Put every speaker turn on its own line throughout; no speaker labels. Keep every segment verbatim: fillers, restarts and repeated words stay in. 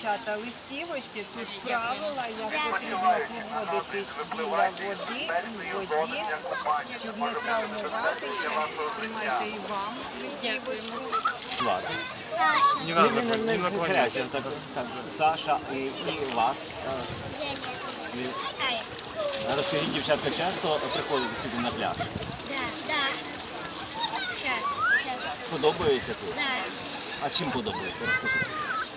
дівчата, листівочки, тут правила, як потрібно поводитись біля води, у воді, щоб не травмуватися. Тримайте і вам листівочку.
Влад.
Саша.
Не, не, не, не, не наклоняйся, так, так, Саша і, і вас. Ви-
Ай.
Розкажіть, дівчатка, часто приходите сюди на пляж?
Да, да. Часто, часто.
Подобається тут?
Да.
А чим подобається? Розкажіть.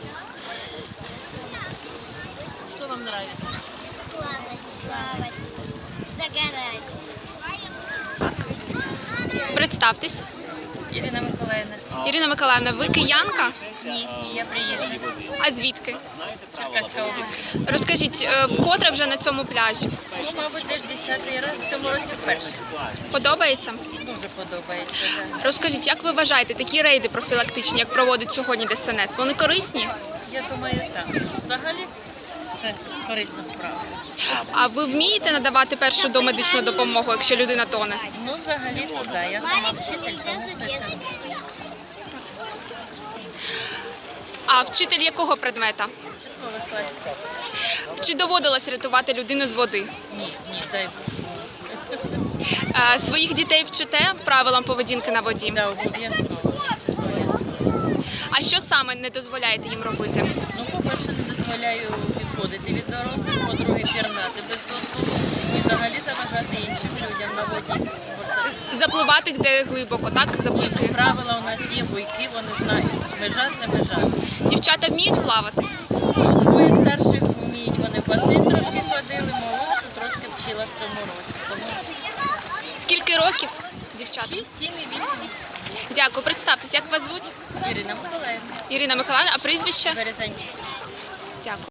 Что вам нравится?
Плавать, плавать, загорать.
Представтесь.
Ірина Миколаївна.
Ірина Миколаївна, ви киянка?
Ні, я приїжджа.
А звідки?
Знаєте правила
Черкаська область.
Розкажіть, е, вкотре вже на цьому пляжі?
Ну, мабуть, теж десятий раз в цьому році вперше.
Подобається?
Дуже подобається. Да.
Розкажіть, як ви вважаєте, такі рейди профілактичні, як проводить сьогодні ДСНС, вони корисні?
Я думаю, так. Взагалі це корисна справа.
А ви вмієте надавати першу домедичну допомогу, якщо людина тоне?
Ну, взагалі, то да. Я сама вчитель, тому все це.
А вчитель якого предмета?
Початкових класів.
Чи доводилось рятувати людину з води?
Ні, ні, дай Бог.
Е, Своїх дітей вчите правилам поведінки на воді?
Да, обов'язково. Обов'язково.
А що саме не дозволяєте їм робити?
Ну, по-перше, не дозволяю відходити від дорослих, по-друге, пірнати без дозволу і взагалі заважати іншим людям на воді.
Запливати де глибоко, так? Запливки.
Правила у нас є, буйки, вони знають. Межа – це межа.
Дівчата вміють плавати?
Двоє старших вміють, вони в басейн трошки ходили, молодшу трошки вчила в цьому році. Тому
Скільки років, дівчата?
шість, сім і вісім.
Дякую. Представтесь, як вас звуть?
Ірина Миколаївна,
Ірина Миколаївна, а прізвище?
Березанчик.